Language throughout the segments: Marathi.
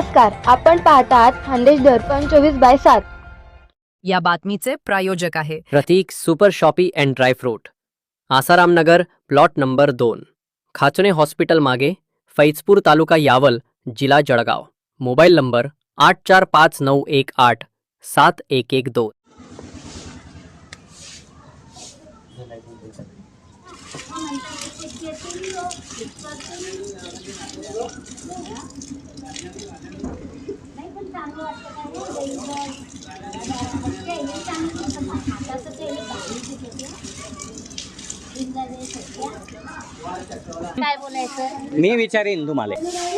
नमस्कार, आपण पाहतात खानदेश दर्पण 24/7. या बातमीचे प्रायोजक आहे Pratik super shoppy and dry fruit, Asaram Nagar, plot number 2, Khachane hospital मागे, फैजपूर तालुका यावल, जिल्हा जळगाव. Mobile number 8459187112. काय बोलायचं? मी विचारीन तुम्हाला.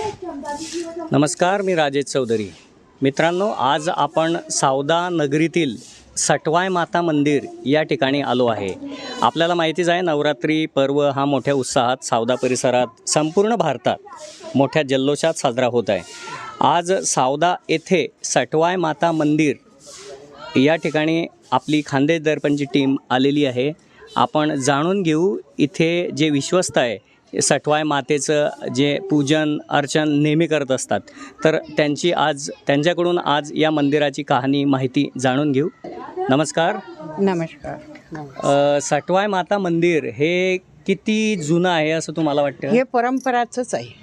नमस्कार, मी राजेश चौधरी. मित्रांनो, आज आपण सावदा नगरीतील सटवाय माता मंदिर या ठिकाणी आलो आहे. आपल्याला माहितीच आहे, नवरात्री पर्व हा मोठ्या उत्साहात सावदा परिसरात संपूर्ण भारतात मोठ्या जल्लोषात साजरा होत आहे. आज सावदा येथे सटवाय माता मंदिर या ठिकाणी आपली खानदेश दर्पणची टीम आलेली आहे. आपण जाणून घेऊ इथे जे विश्वस्त आहे सटवाय मातेचं जे पूजन अर्चन नेहमी करत असतात, तर त्यांच्याकडून आज या मंदिराची कहाणी माहिती जाणून घेऊ. नमस्कार. नमस्कार. सटवाय माता मंदिर हे किती जुनं आहे असं तुम्हाला वाटतं? हे परंपराचंच आहे.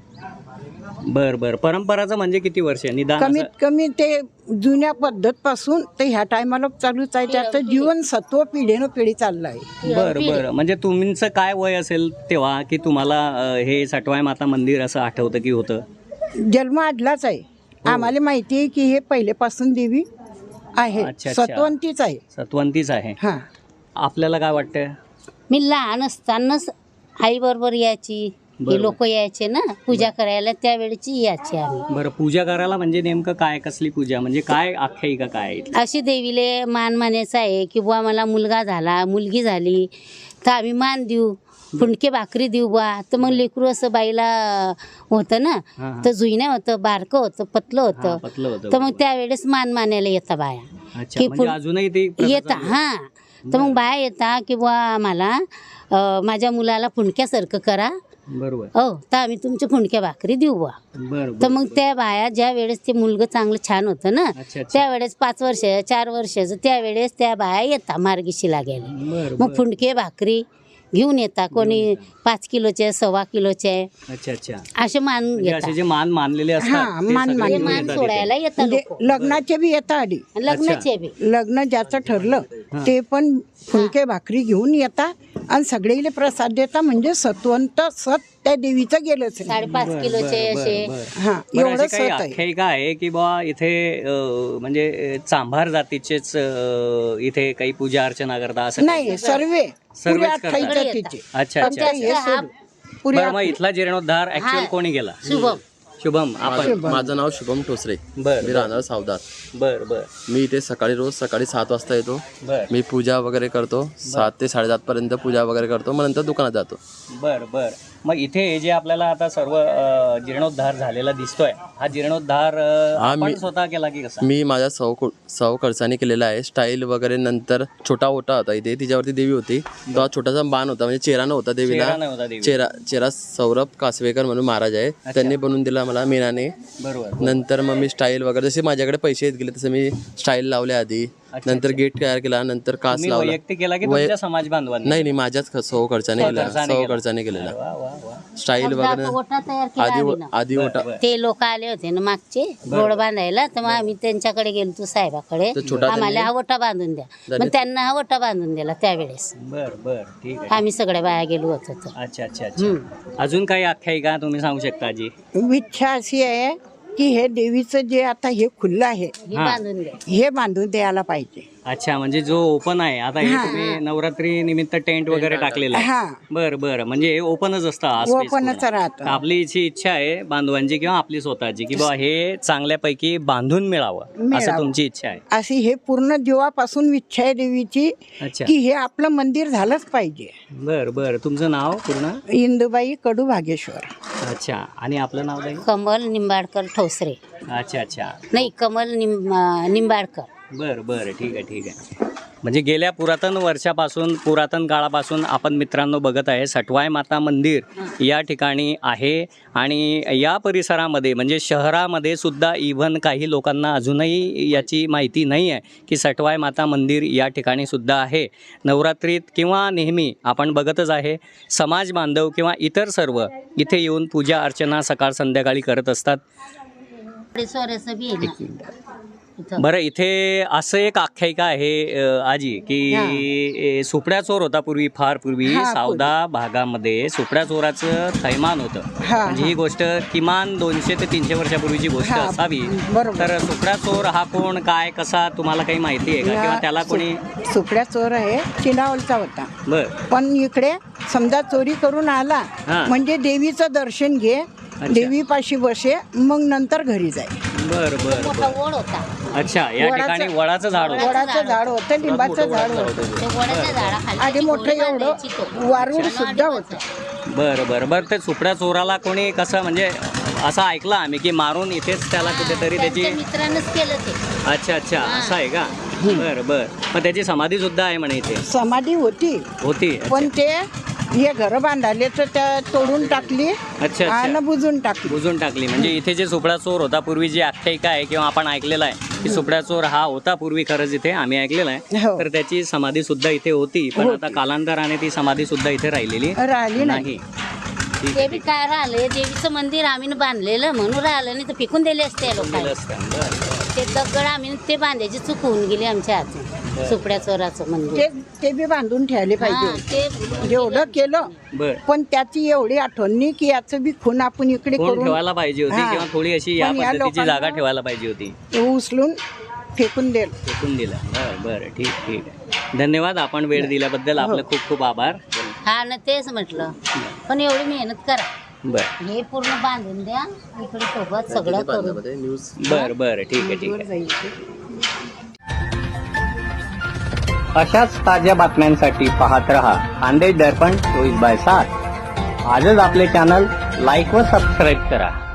बरं. परंपराचं म्हणजे किती वर्ष निदान? कमीत कमी ते जुन्या पद्धतपासून ते ह्या टायमाला चालूच आहे. त्याचं जीवनसत्व पिढीनं पिढी चाललं आहे. बरं. म्हणजे तुमचं काय वय असेल तेव्हा की तुम्हाला हे सटवाय माता मंदिर असं आठवतं की होतं? जन्म आडलाच आहे. आम्हाला माहिती आहे की हे पहिलेपासून देवी आहे. अच्छा. सत्वंतीच आहे. हां, आपल्याला काय वाटतं? मी लहान असतानाच आई बरोबर यायची. हे लोक यायचे ना पूजा करायला, त्यावेळेची यायची आम्ही. बरं, पूजा करायला म्हणजे नेमकं काय, कसली पूजा, म्हणजे काय आख्यायिका काय आहे? अशी देवीले मान मानायचा आहे की बुवा मला मुलगा झाला, मुलगी झाली तर आम्ही मान देऊ, फुंडके भाकरी देऊ बा. तर मग लेकरू असं बाईला होतं ना, तर जुईने होतं, बारकं होतं, पतलं होतं, तर मग त्यावेळेस मान मानायला येतं बाया. की अजूनही ते येता. हां, तर मग बाया येता की बुवा मला माझ्या मुलाला फुंडक्यासारखं करा. बरोबर. हो, तर आम्ही तुमच्या फुंडक्या भाकरी देऊ बा. तर मग त्या बाया ज्या वेळेस ते मुलगा चांगलं छान होतं ना, त्यावेळेस 5 वर्ष 4 वर्षाचं त्यावेळेस त्या बाया येतात मार्गीशी लागायला. मग फुंडके भाकरी घेऊन येतात. कोणी 5 किलोचे, 1.25 किलोचे. अच्छा. असे मान घेतात. जे मान मानलेले असतात ते मान सगळे मान येतात सोडायला येतात म्हणजे लोकं. लग्नाचे बी येतात आधी. लग्नाचे बी लग्न ज्याचं ठरलं ते पण फुलके भाकरी घेऊन येतात आणि सगळेले प्रसाद देतात. म्हणजे सत्वंत सत त्या देवीचं गेलंच नाही. 5.5 किलोचे असे. हा, बरं, एवढं अशी काही सत आहे. आख्यायिका आहे की बा इथे म्हणजे चांभार जातीचेच इथे काही पूजा अर्चना करता असं नाही, सर्वे पुऱ्या करतात. 28 जातीचे. अच्छा. पुऱ्या बरं, मग इथला जीर्णोद्धार ऍक्च्युअल कोणी केला? शुभम. आपण माझं नाव शुभम ठोसरे. बरं. मी राहणार सावदात. बरं. मी इथे रोज सकाळी 7 वाजता येतो. बरं. मी पूजा वगैरे करतो. 7 ते 7:30 पर्यंत पूजा वगैरे करतो. मग नंतर दुकानात जातो. बरं. मग इथे जे आपल्याला आता सर्व जीर्णोद्धार झालेला दिसतोय, हा जीर्णोद्धार आपण स्वतः केला की कसा? मी माझ्या सौ खर्चाने केलेला आहे. स्टाईल वगैरे. नंतर छोटा ओटा होता इथे, तिच्यावरती देवी होती. तो हा छोटासा बाण होता, म्हणजे चेहरा नव्हता देवीला. चेहरा सौरभ कासवेकर म्हणून महाराज आहे, त्यांनी बनवून दिला मला मेनाने. बरोबर. नंतर मग मी स्टाईल वगैरे, जसे माझ्याकडे पैसे येत गेले तसे मी स्टाईल लावले आधी. नंतर गेट तयार केला, नंतर कास लावला. वैयक्तिक केला की तुमच्या समाज बांधवांनी? नाही, माझ्याच सौ खर्चाने केलेला. स्टाईल वगैरे ओटा तयार केला आधी ओटा. ते लोक आले होते ना मागचे रोड बांधायला, तर मग आम्ही त्यांच्याकडे गेलो साहेबाकडे, आम्हाला हा ओटा बांधून द्या. मग त्यांना हा ओटा बांधून दिला त्यावेळेस. बरं, ठीक आहे. आम्ही सगळ्या बाया गेलो होतो. अच्छा. अजून काही आख्यायिका तुम्ही सांगू शकता जी? इच्छा अशी आहे की हे देवीचं जे आता हे खुल्लं आहे हे बांधून द्या. हे बांधून द्यायला पाहिजे. अच्छा, म्हणजे जो ओपन आहे आता, हे तुम्ही नवरात्री निमित्त टेंट वगैरे टाकलेला आहे? बरं. म्हणजे हे ओपनच असतं? ओपनच राहतं. आपली इच्छा आहे बांधवांची किंवा आपली स्वतःची की बा हे चांगल्यापैकी बांधून मिळावं, असं तुमची इच्छा आहे? अशी हे पूर्ण जीवापासून इच्छा आहे देवीची की हे आपलं मंदिर झालंच पाहिजे. बरं. तुमचं नाव पूर्ण? इंदुबाई कडू भागेश्वर. अच्छा. आणि आपलं नाव काय? कमल निंबाडकर ठोसरे. अच्छा. नाही, कमल निंबाडकर. बरं. ठीक आहे. म्हणजे गेल्या पुरातन वर्षापासून पुरातन काळापासून आपण मित्रांनो बघत आहे सटवाई माता मंदिर या ठिकाणी आहे आणि या परिसरामध्ये म्हणजे शहरामध्ये सुद्धा इव्हन काही लोकांना अजूनही याची माहिती नाही आहे की सटवाई माता मंदिर या ठिकाणी सुद्धा आहे. नवरात्रीत किंवा नेहमी आपण बघतच आहे समाज बांधव किंवा इतर सर्व इथे येऊन पूजा अर्चना सकाळ संध्याकाळी करत असतात. सोऱ्याचं बी आहे ना इथं. बरं, इथे असं एक आख्यायिका आहे आजी की सुपड्या चोर होता पूर्वी, फार पूर्वी सावदा भागामध्ये सुपड्या चोराचं थैमान होतं. म्हणजे ही गोष्ट किमान 200 ते 300 वर्षापूर्वीची गोष्ट असावी. तर सुपड्या चोर हा कोण, काय, कसा, तुम्हाला काही माहिती आहे का किंवा त्याला कोणी? सुपड्या चोर आहे चिनावलचा होता. बर पण इकडे समजा चोरी करून आला म्हणजे देवीचं दर्शन घे, देवीपाशी बसे, मग नंतर घरी जाय. बर बर मोठा ओढ होता. अच्छा, या ठिकाणी वडाचं झाड होतं. वडाचं झाड होतं, लिंबाचं झाड होतं ते वडाच्या झाडाखाली आणि मोठं एवढं वारूड सुद्धा होतं. बरं बरं बरं. ते सुपड्या चोराला कोणी कसं म्हणजे असं ऐकलं आम्ही की मारून इथेच त्याला कुठेतरी त्याची. मित्रांनीच केलं ते. अच्छा अच्छा, असं आहे का? बरं बरं. मग त्याची समाधी सुद्धा आहे म्हणे इथे. समाधी होती पण ते हे घर बांधाले तर त्या तोडून टाकली अच्छा आणि बुजून टाकली. बुजून टाकली. म्हणजे इथे जे सुपडा चोर होता पूर्वी, जी आख्यायिका आहे किंवा आपण ऐकलेला आहे की सुपडा चोर हा होता पूर्वी, खरंच इथे आम्ही ऐकलेलं आहे. तर त्याची समाधी सुद्धा इथे होती, पण आता कालांतराने ती समाधी सुद्धा इथे राहिली नाही. ते बी काय राहिलं, देवीचं मंदिर आम्ही बांधलेलं म्हणून राहिलं, नाही तर फेकून दिले असते लोकांना. ते दगड आम्ही ते बांधायची चूक होऊन गेली आमच्या हातून. सुपड्या चोराचं मंदिर ते बी बांधून ठेवले पाहिजे. एवढं केलं पण त्याची एवढी आठवण नाही की याचं बी खून आपण इकडे करून ठेवायला पाहिजे होती किंवा थोडी अशी या पद्धतीची जागा ठेवायला पाहिजे होती. उचलून फेकून दिलं. बरं बरं, ठीक ठीक आहे. धन्यवाद, आपण वेळ दिल्याबद्दल आपलं खूप खूप आभार. हा ना, तेच म्हटलं. पण एवढी मेहनत करा, बरं हे पूर्ण बांधून द्या इकडे सोबत सगळं करून. बरं बरं, ठीक आहे ठीक आहे. अशाच ताज्या बातम्यांसाठी पाहत रहा खानदेश दर्पण 24/7. आजच आपले चॅनल लाईक व सबस्क्राईब करा.